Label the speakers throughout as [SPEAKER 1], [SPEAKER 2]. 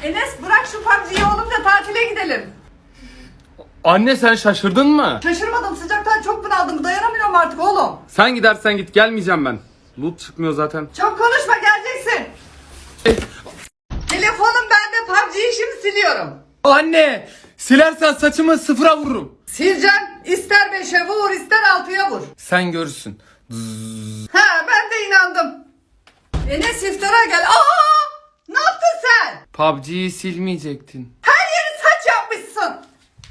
[SPEAKER 1] Enes bırak şu PUBG'yi oğlum da tatile gidelim.
[SPEAKER 2] Anne sen şaşırdın mı?
[SPEAKER 1] Şaşırmadım, sıcaktan çok bunaldım, dayanamıyorum artık oğlum.
[SPEAKER 2] Sen gidersen git, gelmeyeceğim ben. Loot çıkmıyor zaten.
[SPEAKER 1] Çok konuşma, geleceksin. Telefonum bende, PUBG'yi şimdi siliyorum.
[SPEAKER 2] Anne! Silersen saçımı sıfıra vururum.
[SPEAKER 1] Sileceğim, ister 5'e vur ister 6'ya vur.
[SPEAKER 2] Sen görürsün.
[SPEAKER 1] Ha, ben de inandım. Enes iftara gel. Aa! Ne yaptın sen?
[SPEAKER 2] PUBG'yi silmeyecektin.
[SPEAKER 1] Her yeri saç yapmışsın.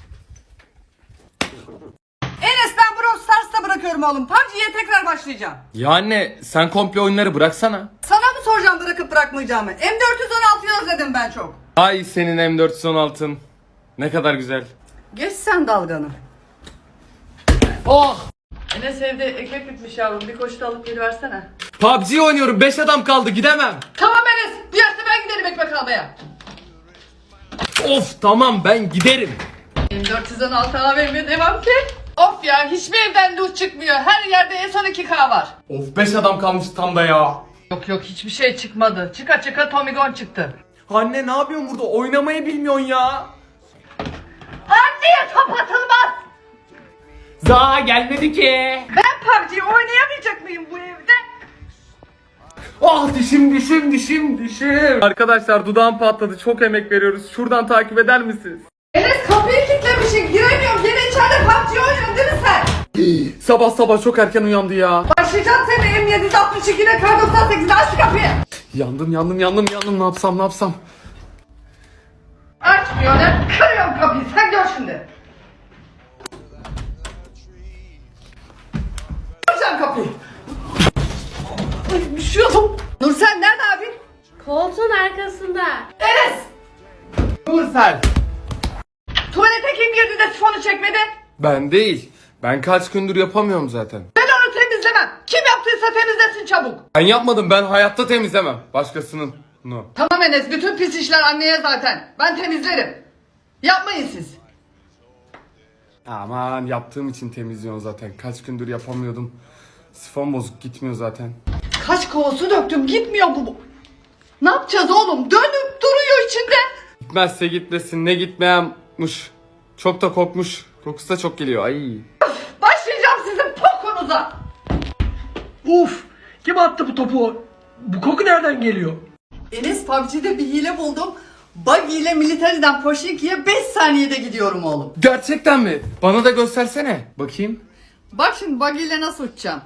[SPEAKER 1] Enes ben Brawl Stars'ta bırakıyorum oğlum. PUBG'ye tekrar başlayacağım.
[SPEAKER 2] Ya anne sen komple oyunları bıraksana.
[SPEAKER 1] Sana mı soracağım bırakıp bırakmayacağımı? M416'yı özledim ben çok.
[SPEAKER 2] Ay senin M416'ın. Ne kadar güzel.
[SPEAKER 1] Geç sen dalganı.
[SPEAKER 2] Oh!
[SPEAKER 1] Enes evde ekmek bitmiş yavrum. Bir koşu da alıp geliversene.
[SPEAKER 2] PUBG oynuyorum, 5 adam kaldı, gidemem.
[SPEAKER 1] Tamam Enes. Diğerse ben giderim ekmek almaya.
[SPEAKER 2] Of tamam, ben giderim.
[SPEAKER 1] M416 AVM devam ki. Of ya, hiçbir evden loot çıkmıyor. Her yerde en son 2K var.
[SPEAKER 2] Of 5 adam kalmış tam da ya.
[SPEAKER 1] Yok hiçbir şey çıkmadı. Çıka çıka Tommy Gun çıktı.
[SPEAKER 2] Anne ne yapıyorsun burada? Oynamayı bilmiyorsun ya.
[SPEAKER 1] Anneye top atılmaz.
[SPEAKER 2] Za gelmedi ki.
[SPEAKER 1] Ben PUBG oynayamayacak mıyım bu evde?
[SPEAKER 2] Ah dişim. Arkadaşlar dudağım patladı. Çok emek veriyoruz. Şuradan takip eder misiniz?
[SPEAKER 1] Enes kapıyı kilitlemişsin. Giremiyorum. Gene içeride PUBG oynuyorsun değil mi sen?
[SPEAKER 2] Sabah sabah çok erken uyandı ya.
[SPEAKER 1] Başlayacağım seni M762 ile Kar 98'de, aç şu kapıyı.
[SPEAKER 2] Yandım. Ne yapsam?
[SPEAKER 1] Açmıyor lan. Kırıyorum kapıyı. Sen gör şimdi. Açacağım kapıyı. Ay düşüyordum. Nursel nerede abin?
[SPEAKER 3] Koltuğun arkasında.
[SPEAKER 1] Enes.
[SPEAKER 2] Nursel.
[SPEAKER 1] Tuvalete kim girdi de sifonu çekmedi?
[SPEAKER 2] Ben değil. Ben kaç gündür yapamıyorum zaten.
[SPEAKER 1] Ben onu temizlemem. Kim yaptıysa temizlesin çabuk.
[SPEAKER 2] Ben yapmadım. Ben hayatta temizlemem. Başkasının. No.
[SPEAKER 1] Tamam Enes, bütün pis işler anneye zaten. Ben temizlerim. Yapmayın siz.
[SPEAKER 2] Aman yaptığım için temizliyorum zaten. Kaç gündür yapamıyordum. Sifon bozuk, gitmiyor zaten.
[SPEAKER 1] Kaç kova su döktüm, gitmiyor bu. Ne yapacağız oğlum? Dönüp duruyor içinde.
[SPEAKER 2] Gitmezse gitmesin, ne gitmeyenmiş. Çok da kokmuş. Kokusu da çok geliyor. Ay.
[SPEAKER 1] Başlayacağım sizin pokunuza.
[SPEAKER 4] Uf! Kim attı bu topu? Bu koku nereden geliyor?
[SPEAKER 1] Enes, PUBG'de bir hile buldum. Buggy ile Military'den Pochinki'ye 5 saniyede gidiyorum oğlum.
[SPEAKER 2] Gerçekten mi? Bana da göstersene. Bakayım.
[SPEAKER 1] Bak şimdi Buggy ile nasıl uçacağım.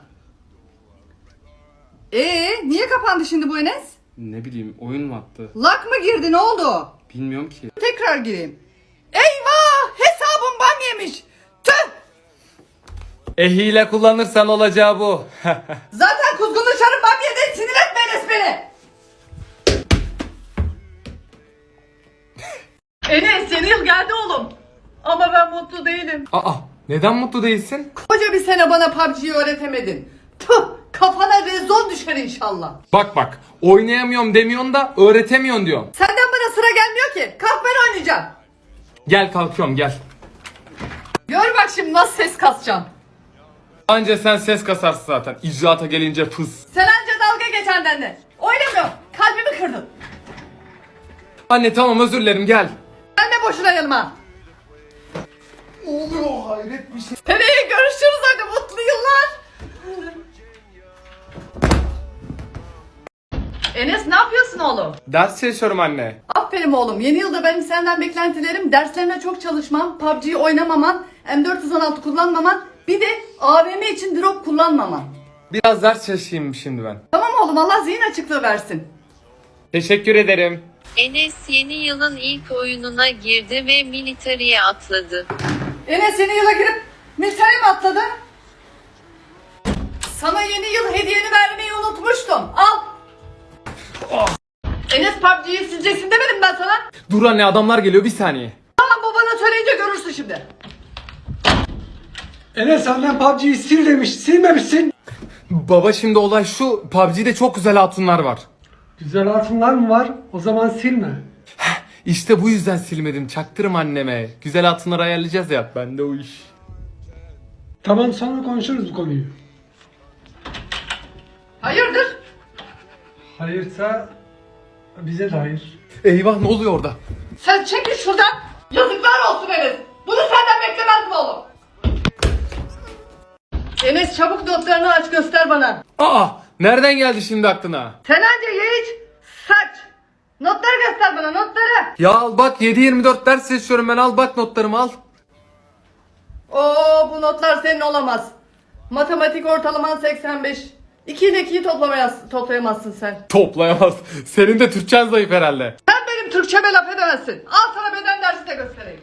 [SPEAKER 1] Niye kapandı şimdi bu Enes?
[SPEAKER 2] Ne bileyim, oyun mu attı?
[SPEAKER 1] Lag mı girdi, ne oldu?
[SPEAKER 2] Bilmiyorum ki.
[SPEAKER 1] Tekrar gireyim. Eyvah! Hesabım ban yemiş. Tüh!
[SPEAKER 2] Hile kullanırsan olacağı bu.
[SPEAKER 1] Zaten kuzgunlaşarım ban yedi. Sinir etme Enes beni. Enes, yeni yıl geldi oğlum. Ama ben mutlu değilim.
[SPEAKER 2] Aa, neden mutlu değilsin?
[SPEAKER 1] Koca bir sene bana PUBG'yi öğretemedin. Tüh! Kafana rezon düşer inşallah.
[SPEAKER 2] Bak, oynayamıyorum demiyorsun da öğretemiyorsun diyorsun.
[SPEAKER 1] Senden bana sıra gelmiyor ki. Kalk, ben oynayacağım.
[SPEAKER 2] Gel kalkıyorum, gel.
[SPEAKER 1] Gör bak şimdi nasıl ses kasacağım.
[SPEAKER 2] Anca sen ses kasarsın zaten. İcraata gelince pıs.
[SPEAKER 1] Sen anca dalga geç benden. Oynamıyorum. Kalbimi kırdın.
[SPEAKER 2] Anne tamam, özür dilerim, gel.
[SPEAKER 1] Gelme boşuna yanıma.
[SPEAKER 2] Ne oluyor, hayret bir şey.
[SPEAKER 1] Seneye görüşürüz, hadi mutlu yıllar. Enes, ne yapıyorsun oğlum?
[SPEAKER 2] Ders çalışıyorum anne.
[SPEAKER 1] Aferin oğlum. Yeni yılda benim senden beklentilerim derslerine çok çalışman, PUBG'yi oynamaman, M416 kullanmaman, bir de AVM için drop kullanmaman.
[SPEAKER 2] Biraz ders çalışayım şimdi ben.
[SPEAKER 1] Tamam oğlum, Allah zihin açıklığı versin.
[SPEAKER 2] Teşekkür ederim.
[SPEAKER 5] Enes yeni yılın ilk oyununa girdi ve military'e atladı.
[SPEAKER 1] Enes yeni yıla girip military mi atladı? Sana yeni yıl hediyeni vermeyi unutmuştum. Al. Enes, PUBG'yi sileceksin demedim ben sana.
[SPEAKER 2] Dur anne, adamlar geliyor, bir saniye.
[SPEAKER 1] Tamam, babana söyleyince görürsün şimdi.
[SPEAKER 4] Enes annen PUBG'yi sil demiş. Silmemişsin.
[SPEAKER 2] Baba şimdi olay şu, PUBG'de çok güzel hatunlar var.
[SPEAKER 4] Güzel hatunlar mı var? O zaman silme.
[SPEAKER 2] İşte bu yüzden silmedim, çaktırım anneme. Güzel hatunları ayarlayacağız ya, bende o iş.
[SPEAKER 4] Tamam, sonra konuşuruz bu konuyu.
[SPEAKER 1] Hayırdır?
[SPEAKER 4] Hayırsa bize de hayır.
[SPEAKER 2] Eyvah, ne oluyor orada?
[SPEAKER 1] Sen çekil şuradan. Yazıklar olsun Enes. Bunu senden beklemezdim oğlum. Enes çabuk notlarını aç göster bana.
[SPEAKER 2] Aa, nereden geldi şimdi aklına?
[SPEAKER 1] Sen anca ye iç, saç. Notları göster bana, notları.
[SPEAKER 2] Ya al bak, 7-24 ders seçiyorum ben, al bak notlarımı al.
[SPEAKER 1] Oo, bu notlar senin olamaz. Matematik ortalaman 85. 2 ile 2'yi toplayamazsın sen.
[SPEAKER 2] Toplayamaz. Senin de Türkçen zayıf herhalde.
[SPEAKER 1] Sen benim Türkçeme laf edemezsin. Al sana beden dersi de göstereyim.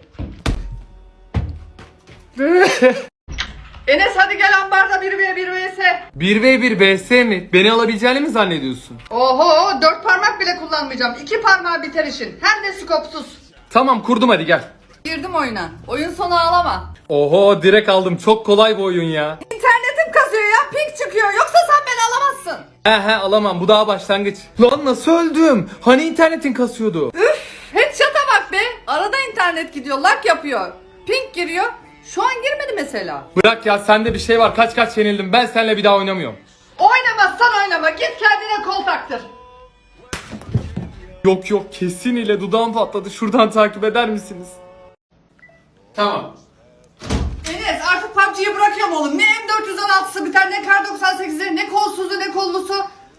[SPEAKER 1] Enes hadi gel ambarda 1v1 vs.
[SPEAKER 2] 1v1 vs mi? Beni alabileceğini mi zannediyorsun?
[SPEAKER 1] Oho, 4 parmak bile kullanmayacağım. 2 parmağı biter işin. Hem de skopsuz.
[SPEAKER 2] Tamam, kurdum, hadi gel.
[SPEAKER 1] Girdim oyuna. Oyun sonu ağlama.
[SPEAKER 2] Oho, direkt aldım. Çok kolay bu oyun ya.
[SPEAKER 1] İnternetim kasıyor ya, ping çıkıyor. Yoksa sen beni alamazsın.
[SPEAKER 2] He alamam, bu daha başlangıç. Lan nasıl öldüm? Hani internetin kasıyordu?
[SPEAKER 1] Üf, headshot'a bak be. Arada internet gidiyor, lag yapıyor. Ping giriyor. Şu an girmedi mesela.
[SPEAKER 2] Bırak ya, sende bir şey var. Kaç yenildim. Ben seninle bir daha oynamıyorum.
[SPEAKER 1] Oynamazsan oynama. Git kendine kol taktır.
[SPEAKER 2] Yok, kesin ile dudağım patladı. Şuradan takip eder misiniz? Tamam.
[SPEAKER 1] Enes artık PUBG'yi bırakıyorum oğlum. Ne M416'sı biter, ne Kar 98'i, ne kolsuzu, ne kollusu.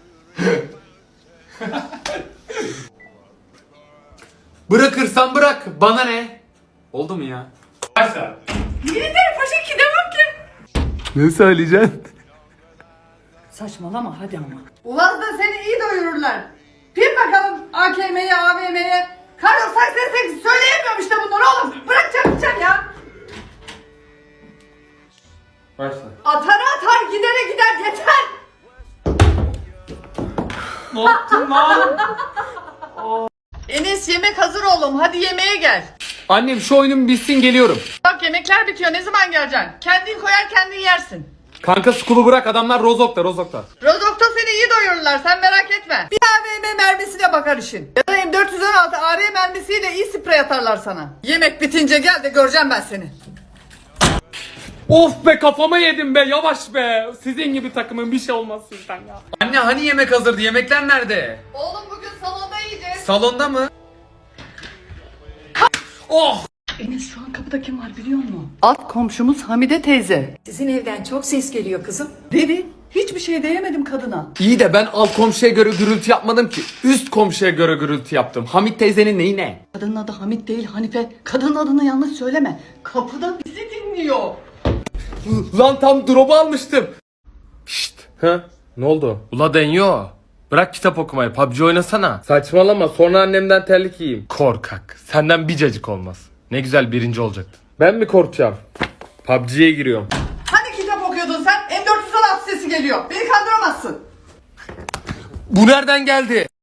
[SPEAKER 2] Bırakırsan bırak. Bana ne? Oldu mu ya? Başla.
[SPEAKER 1] Military Paşa 2 devam ki.
[SPEAKER 2] Ne söyleyeceksin?
[SPEAKER 1] Saçmalama hadi ama. Uaz'da seni iyi doyururlar. Bir bakalım AKM'ye, AVM'ye. Kar 98 söyleyemiyorum işte bunları oğlum. Bırakacak ya.
[SPEAKER 2] Başla.
[SPEAKER 1] Atar gidere gider yeter.
[SPEAKER 2] Ne yaptın lan?
[SPEAKER 1] Enes yemek hazır oğlum, hadi yemeğe gel.
[SPEAKER 2] Annem, şu oyunum bitsin, geliyorum.
[SPEAKER 1] Bak yemekler bitiyor, ne zaman geleceksin? Kendin koyar kendin yersin.
[SPEAKER 2] Kanka skulu bırak, adamlar Rozok'ta.
[SPEAKER 1] Rozok'ta seni iyi doyururlar, sen merak etme. Bir AVM mermisiyle bakar işin. Ya da M416 AR mermisiyle iyi sprey atarlar sana. Yemek bitince gel de göreceğim ben seni.
[SPEAKER 2] Of be, kafama yedim be, yavaş be. Sizin gibi takımın bir şey olmaz sizden ya. Anne hani yemek hazırdı, yemekler nerede?
[SPEAKER 1] Oğlum bugün salonda yiyeceğiz.
[SPEAKER 2] Salonda mı? Oh!
[SPEAKER 1] Enes şu an kapıda kim var biliyor musun? Alt komşumuz Hamide teyze.
[SPEAKER 6] Sizin evden çok ses geliyor kızım.
[SPEAKER 1] Dedi, hiçbir şey diyemedim kadına.
[SPEAKER 2] İyi de ben alt komşuya göre gürültü yapmadım ki. Üst komşuya göre gürültü yaptım. Hamit teyzenin neyi ne?
[SPEAKER 1] Kadının adı Hamit değil Hanife. Kadının adını yanlış söyleme. Kapıda bizi dinliyor.
[SPEAKER 2] Lan tam drop'u almıştım. Şşt. Ha? Ne oldu? Ula deniyor. Bırak kitap okumayı, PUBG oynasana. Saçmalama, sonra annemden terlik yiyeyim. Korkak. Senden bir cacık olmaz. Ne güzel birinci olacaktın. Ben mi korkacağım? PUBG'ye giriyorum.
[SPEAKER 1] Hani kitap okuyordun sen? M416 sesi geliyor. Beni kandıramazsın.
[SPEAKER 2] Bu nereden geldi?